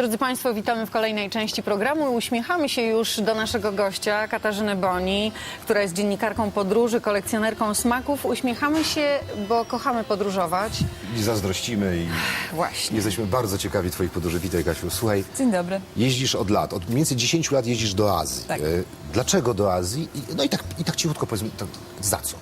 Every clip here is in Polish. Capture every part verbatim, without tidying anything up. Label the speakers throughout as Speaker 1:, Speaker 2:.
Speaker 1: Drodzy Państwo, witamy w kolejnej części programu i uśmiechamy się już do naszego gościa, Katarzyny Boni, która jest dziennikarką podróży, kolekcjonerką smaków. Uśmiechamy się, bo kochamy podróżować.
Speaker 2: I zazdrościmy i
Speaker 1: Właśnie.
Speaker 2: jesteśmy bardzo ciekawi twoich podróży. Witaj, Kasiu. Słuchaj,
Speaker 3: Dzień dobry.
Speaker 2: jeździsz od lat, od mniej więcej dziesięciu lat jeździsz do Azji.
Speaker 3: Tak.
Speaker 2: E, Dlaczego do Azji? I, no i tak, i tak cichutko powiedz mi, to, za co?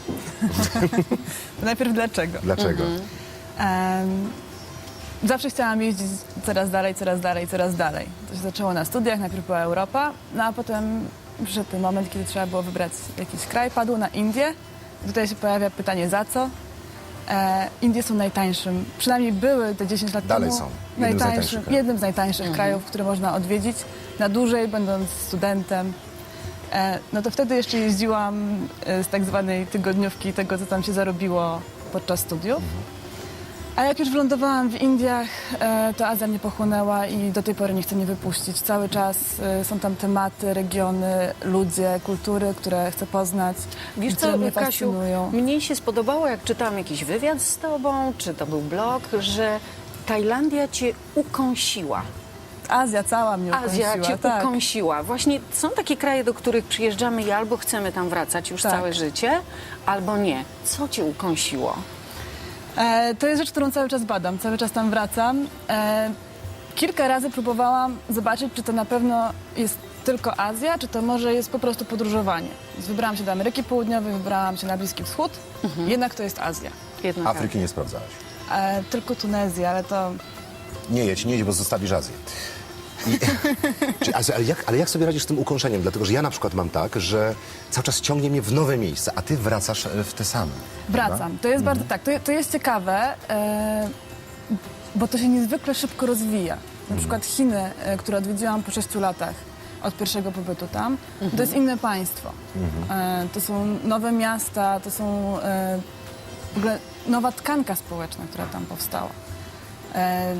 Speaker 3: Najpierw dlaczego?
Speaker 2: Dlaczego?
Speaker 3: Em, zawsze chciałam jeździć coraz dalej, coraz dalej, coraz dalej. To się zaczęło na studiach, najpierw była Europa, no a potem przyszedł ten moment, kiedy trzeba było wybrać jakiś kraj, padło na Indie. Tutaj się pojawia pytanie za co? E, Indie są najtańszym, przynajmniej były te dziesięć lat
Speaker 2: Dalej
Speaker 3: temu.
Speaker 2: są. Jednym z najtańszych krajów.
Speaker 3: jednym z najtańszych krajów, które można odwiedzić na dłużej, będąc studentem. E, no to wtedy jeszcze jeździłam e, z tak zwanej tygodniówki, tego co tam się zarobiło podczas studiów. A jak już wylądowałam w Indiach, e, to Azja mnie pochłonęła i do tej pory nie chce mnie wypuścić. Cały czas e, są tam tematy, regiony, ludzie, kultury, które chcę poznać,
Speaker 1: Wiesz
Speaker 3: które
Speaker 1: co,
Speaker 3: mnie
Speaker 1: Kasiu,
Speaker 3: fascynują.
Speaker 1: mnie się spodobało, jak czytałam jakiś wywiad z tobą, czy to był blog, że Tajlandia cię ukąsiła.
Speaker 3: Azja cała mnie
Speaker 1: Azja
Speaker 3: ukąsiła,
Speaker 1: cię
Speaker 3: tak.
Speaker 1: ukąsiła. Właśnie są takie kraje, do których przyjeżdżamy i albo chcemy tam wracać już
Speaker 3: Tak.
Speaker 1: całe życie, albo nie. Co cię ukąsiło?
Speaker 3: E, to jest rzecz, którą cały czas badam, cały czas tam wracam. E, kilka razy próbowałam zobaczyć, czy to na pewno jest tylko Azja, czy to może jest po prostu podróżowanie. Więc wybrałam się do Ameryki Południowej, wybrałam się na Bliski Wschód, jednak to jest Azja.
Speaker 1: Jednak
Speaker 2: Afryki nie sprawdzałaś.
Speaker 3: E, tylko Tunezja, ale to...
Speaker 2: Nie jedź, nie jedź, bo zostawisz Azję. I, czy, ale, jak, ale jak sobie radzisz z tym ukąszeniem? Dlatego, że ja na przykład mam tak, że cały czas ciągnie mnie w nowe miejsca, a ty wracasz w te same.
Speaker 3: Wracam.
Speaker 2: prawda?
Speaker 3: To jest bardzo tak, to, to jest ciekawe, e, bo to się niezwykle szybko rozwija. Na przykład Chiny, e, które odwiedziłam po sześciu latach od pierwszego pobytu tam, to jest inne państwo. E, to są nowe miasta, to są e, w ogóle nowa tkanka społeczna, która tam powstała. E,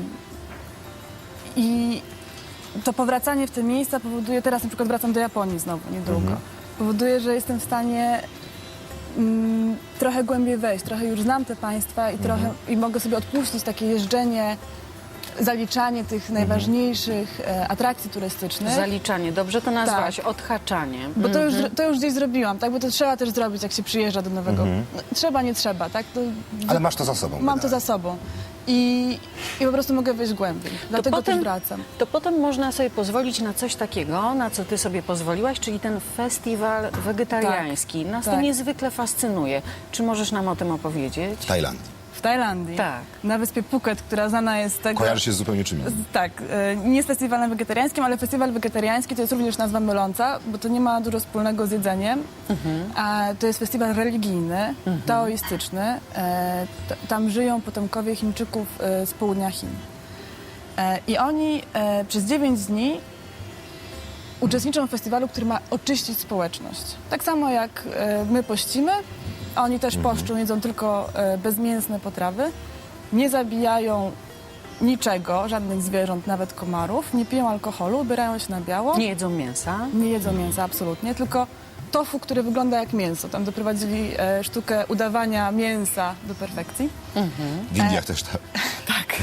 Speaker 3: I to powracanie w te miejsca powoduje, teraz na przykład wracam do Japonii znowu, niedługo, powoduje, że jestem w stanie mm, trochę głębiej wejść, trochę już znam te państwa i, trochę, i mogę sobie odpuścić takie jeżdżenie, zaliczanie tych najważniejszych e, atrakcji turystycznych.
Speaker 1: Zaliczanie, dobrze to nazwałaś,
Speaker 3: Tak.
Speaker 1: odhaczanie.
Speaker 3: Bo to już, to już gdzieś zrobiłam, tak? Bo to trzeba też zrobić, jak się przyjeżdża do nowego... No, trzeba, nie trzeba, tak? To,
Speaker 2: Ale masz to za sobą.
Speaker 3: mam to
Speaker 2: wydaje.
Speaker 3: za sobą. I, I po prostu mogę wejść głębiej. Dlatego
Speaker 1: potem-
Speaker 3: też wracam.
Speaker 1: To potem można sobie pozwolić na coś takiego, na co ty sobie pozwoliłaś, czyli ten festiwal wegetariański. Nas to
Speaker 3: tak.
Speaker 1: niezwykle fascynuje. Czy możesz nam o tym opowiedzieć?
Speaker 2: W Tajlandii.
Speaker 3: W Tajlandii,
Speaker 1: Tak.
Speaker 3: na wyspie Phuket, która znana jest z tego...
Speaker 2: Kojarzy się z zupełnie czym innym.
Speaker 3: Tak, e, nie z festiwalem wegetariańskim, ale festiwal wegetariański to jest również nazwa myląca, bo to nie ma dużo wspólnego z jedzeniem. A to jest festiwal religijny, taoistyczny. E, t- tam żyją potomkowie Chińczyków e, z południa Chin. E, I oni e, przez dziewięć dni uczestniczą w festiwalu, który ma oczyścić społeczność. Tak samo jak e, my pościmy, a oni też poszczą, jedzą tylko e, bezmięsne potrawy, nie zabijają niczego, żadnych zwierząt, nawet komarów, nie piją alkoholu, ubierają się na biało,
Speaker 1: Nie jedzą mięsa.
Speaker 3: nie jedzą mięsa absolutnie, tylko tofu, które wygląda jak mięso. Tam doprowadzili e, sztukę udawania mięsa do perfekcji.
Speaker 2: W Indiach też tak.
Speaker 3: Tak.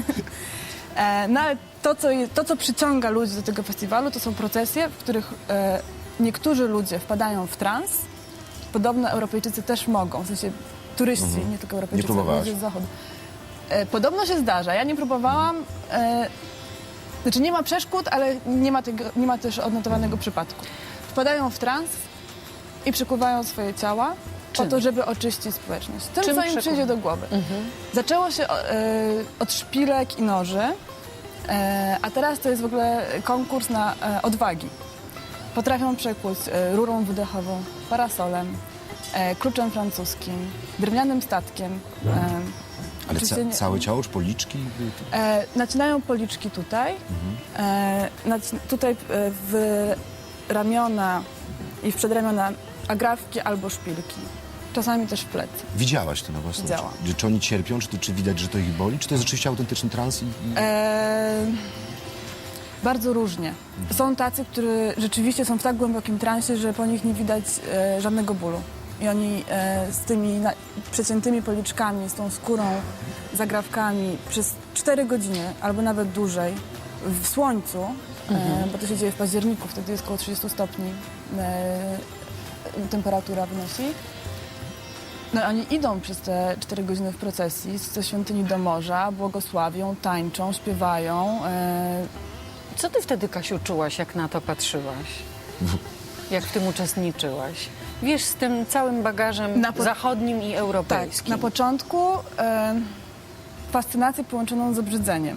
Speaker 3: e, no ale to co, je, to, co przyciąga ludzi do tego festiwalu, to są procesje, w których e, niektórzy ludzie wpadają w trans. Podobno Europejczycy też mogą, w sensie turyści, nie tylko Europejczycy,
Speaker 2: Nie próbowałaś?
Speaker 3: ludzie z zachodu. E, podobno się zdarza. Ja nie próbowałam. E, znaczy nie ma przeszkód, ale nie ma, tego, nie ma też odnotowanego przypadku. Wpadają w trans i przykuwają swoje ciała
Speaker 1: Czym?
Speaker 3: po to, żeby oczyścić społeczność. Tym,
Speaker 1: Czym
Speaker 3: co im
Speaker 1: przyku-
Speaker 3: przyjdzie do głowy. Zaczęło się e, od szpilek i noży, e, a teraz to jest w ogóle konkurs na e, odwagi. Potrafią przekłuć e, rurą wydechową, parasolem, e, kluczem francuskim, drewnianym statkiem. E,
Speaker 2: Ale
Speaker 3: oczywiście
Speaker 2: ca
Speaker 3: nie-
Speaker 2: całe ciało, czy policzki?
Speaker 3: E, nacinają policzki tutaj, e, naci- tutaj e, w ramiona i w przedramiona agrafki albo szpilki. Czasami też w plecy.
Speaker 2: Widziałaś to na własne oczy?
Speaker 3: Widziałam.
Speaker 2: Czy, czy oni cierpią, czy, czy widać, że to ich boli? Czy to jest rzeczywiście autentyczny trans? I, i...
Speaker 3: E, bardzo różnie. Są tacy, którzy rzeczywiście są w tak głębokim transie, że po nich nie widać e, żadnego bólu. I oni e, z tymi na, przeciętymi policzkami, z tą skórą, zagrawkami przez cztery godziny albo nawet dłużej w słońcu, e, bo to się dzieje w październiku, wtedy jest około trzydziestu stopni e, temperatura wynosi. No oni idą przez te cztery godziny w procesji ze świątyni do morza, błogosławią, tańczą, śpiewają. E,
Speaker 1: Co ty wtedy, Kasiu, czułaś, jak na to patrzyłaś? Jak w tym uczestniczyłaś? Wiesz, z tym całym bagażem
Speaker 3: Na po-
Speaker 1: zachodnim i
Speaker 3: tak,
Speaker 1: europejskim.
Speaker 3: na początku e, fascynację połączoną z obrzydzeniem.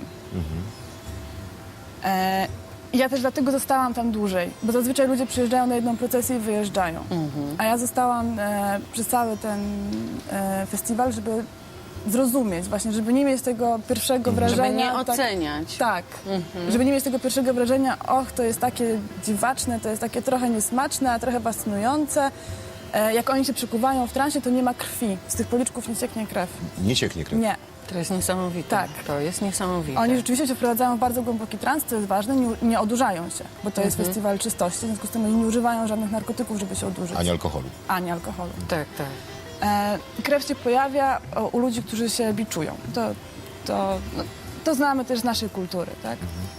Speaker 3: E, ja też dlatego zostałam tam dłużej, bo zazwyczaj ludzie przyjeżdżają na jedną procesję i wyjeżdżają. A ja zostałam e, przez cały ten e, festiwal, żeby zrozumieć właśnie, żeby nie mieć tego pierwszego
Speaker 1: Żeby
Speaker 3: wrażenia.
Speaker 1: nie
Speaker 3: tak-
Speaker 1: oceniać.
Speaker 3: Tak, żeby nie mieć tego pierwszego wrażenia, och, to jest takie dziwaczne, to jest takie trochę niesmaczne, a trochę fascynujące. E, jak oni się przykuwają w transie, to nie ma krwi. Z tych policzków nie cieknie krew.
Speaker 2: Nie cieknie krew.
Speaker 3: Nie.
Speaker 1: To jest niesamowite.
Speaker 3: Tak.
Speaker 1: To jest niesamowite.
Speaker 3: Oni rzeczywiście się wprowadzają w bardzo głęboki trans, co jest ważne, nie, nie odurzają się, bo to jest festiwal czystości, w związku z tym oni nie używają żadnych narkotyków, żeby się odurzyć.
Speaker 2: Ani alkoholu.
Speaker 3: Ani alkoholu.
Speaker 1: Tak, tak.
Speaker 3: E, krew się pojawia o, u ludzi, którzy się biczują. To, to, no, to znamy też z naszej kultury, tak?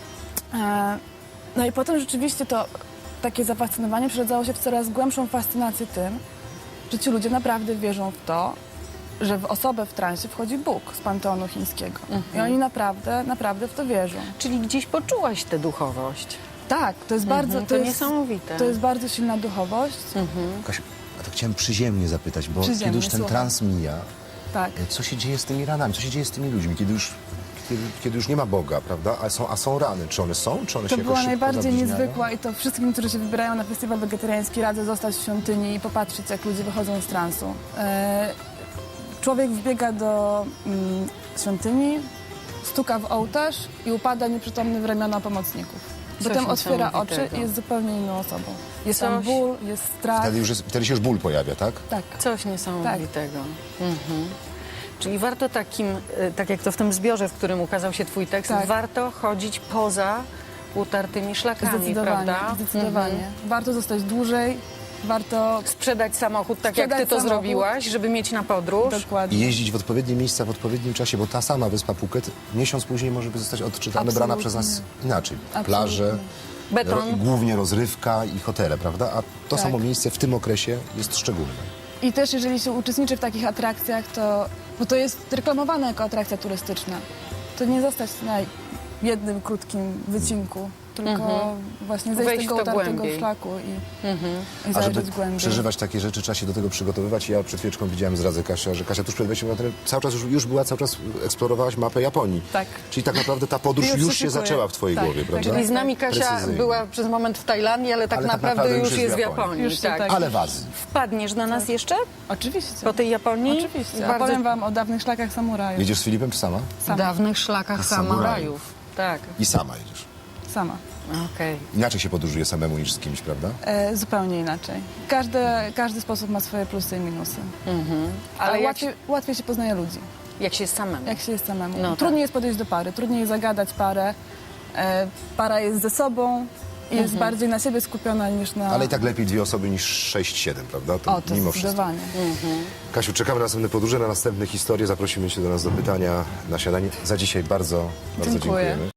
Speaker 3: E, no i potem rzeczywiście to takie zafascynowanie przeradzało się w coraz głębszą fascynację tym, że ci ludzie naprawdę wierzą w to, że w osobę w transie wchodzi Bóg z panteonu chińskiego. I oni naprawdę, naprawdę w to wierzą.
Speaker 1: Czyli gdzieś poczułaś tę duchowość.
Speaker 3: Tak, to jest bardzo...
Speaker 1: to
Speaker 3: jest,
Speaker 1: niesamowite.
Speaker 3: To jest bardzo silna duchowość.
Speaker 2: Kasiu, a to chciałem przyziemnie zapytać, bo
Speaker 3: Przyziemnie,
Speaker 2: kiedy już ten
Speaker 3: słucham.
Speaker 2: trans mija,
Speaker 3: Tak.
Speaker 2: e, co się dzieje z tymi ranami, co się dzieje z tymi ludźmi, kiedy już, kiedy, kiedy już nie ma Boga, prawda? A są, a są rany. Czy one są? Czy one
Speaker 3: To
Speaker 2: się
Speaker 3: była
Speaker 2: jakoś szybko
Speaker 3: najbardziej
Speaker 2: zabliźniają?
Speaker 3: niezwykła i to wszystkim, którzy się wybierają na festiwal wegetariański, radzę zostać w świątyni i popatrzeć, jak ludzie wychodzą z transu. E, człowiek wbiega do mm, świątyni, stuka w ołtarz i upada nieprzytomny w ramiona pomocników.
Speaker 1: Coś
Speaker 3: Potem otwiera oczy
Speaker 1: niesamowitego.
Speaker 3: i jest zupełnie inną osobą. Jest tam
Speaker 1: Coś-
Speaker 3: ból, jest strach.
Speaker 2: Wtedy, już jest, wtedy się już ból pojawia, tak?
Speaker 3: Tak.
Speaker 1: Coś niesamowitego. Mhm. Czyli warto takim, y, tak jak to w tym zbiorze, w którym ukazał się twój tekst,
Speaker 3: Tak.
Speaker 1: warto chodzić poza utartymi szlakami,
Speaker 3: Zdecydowanie,
Speaker 1: prawda?
Speaker 3: zdecydowanie.
Speaker 1: Mhm.
Speaker 3: Warto zostać dłużej, warto...
Speaker 1: Sprzedać samochód tak, jak ty
Speaker 3: Sprzedać
Speaker 1: to
Speaker 3: samochód.
Speaker 1: zrobiłaś, żeby mieć na podróż.
Speaker 2: I
Speaker 3: Dokładnie.
Speaker 2: jeździć w odpowiednie miejsca w odpowiednim czasie, bo ta sama wyspa Phuket miesiąc później może zostać odczytana, brana przez nas inaczej.
Speaker 3: Absolutnie.
Speaker 2: Plaże,
Speaker 1: Beton.
Speaker 2: ro, głównie rozrywka i hotele, prawda? A to
Speaker 3: Tak.
Speaker 2: samo miejsce w tym okresie jest szczególne.
Speaker 3: I też jeżeli się uczestniczy w takich atrakcjach, to, bo to jest reklamowane jako atrakcja turystyczna, to nie zostać na jednym krótkim wycinku, tylko właśnie zejść z
Speaker 1: Wejść
Speaker 3: tego
Speaker 1: w to
Speaker 3: utartego
Speaker 1: głębiej.
Speaker 3: szlaku i, i
Speaker 2: A
Speaker 3: zajrzeć
Speaker 2: żeby
Speaker 3: głębiej.
Speaker 2: przeżywać takie rzeczy, trzeba się do tego przygotowywać. Ja przed chwileczką widziałem zdradzę Kasia, że Kasia tuż przed wejściem na ten cały czas już, już była, cały czas eksplorowałaś mapę Japonii.
Speaker 3: Tak.
Speaker 2: Czyli tak naprawdę ta podróż
Speaker 3: Już
Speaker 2: już,
Speaker 3: się
Speaker 2: się
Speaker 3: szykuje.
Speaker 2: zaczęła w twojej
Speaker 3: Tak,
Speaker 2: głowie,
Speaker 3: tak.
Speaker 2: prawda?
Speaker 1: Czyli z nami Kasia
Speaker 2: Precyzyjnie.
Speaker 1: była przez moment w Tajlandii, ale tak,
Speaker 2: Ale tak
Speaker 1: naprawdę,
Speaker 2: naprawdę
Speaker 1: już jest w Japonii.
Speaker 3: Już się
Speaker 1: tak.
Speaker 3: tak-
Speaker 2: Ale w Azji.
Speaker 1: Wpadniesz do nas jeszcze
Speaker 3: Oczywiście.
Speaker 1: po tej Japonii?
Speaker 3: Oczywiście. A
Speaker 1: Bardzo
Speaker 3: powiem wam o dawnych szlakach samurajów.
Speaker 2: Jedziesz z Filipem czy sama?
Speaker 3: Sama.
Speaker 1: dawnych szlakach
Speaker 2: Samurajów.
Speaker 1: samurajów. Tak,
Speaker 2: I sama jedziesz.
Speaker 3: Sama.
Speaker 1: okej.
Speaker 2: Inaczej się podróżuje samemu niż z kimś, prawda?
Speaker 3: E, zupełnie inaczej. Każdy, każdy sposób ma swoje plusy i minusy.
Speaker 1: Mhm.
Speaker 3: Ale
Speaker 1: Ale jak,
Speaker 3: łatwiej, łatwiej się poznaje ludzi.
Speaker 1: jak się jest samemu?
Speaker 3: Jak się jest samemu.
Speaker 1: No tak.
Speaker 3: Trudniej jest podejść do pary, trudniej jest zagadać parę. E, para jest ze sobą i jest bardziej na siebie skupiona niż na...
Speaker 2: Ale i tak lepiej dwie osoby niż sześć, siedem, prawda? To
Speaker 3: O, to
Speaker 2: mimo wszystko.
Speaker 3: zdecydowanie.
Speaker 2: Kasiu, czekamy na następne podróże, na następne historie. Zaprosimy cię do nas do pytania na śniadanie. Za dzisiaj bardzo, bardzo
Speaker 3: Dziękuję.
Speaker 2: dziękujemy.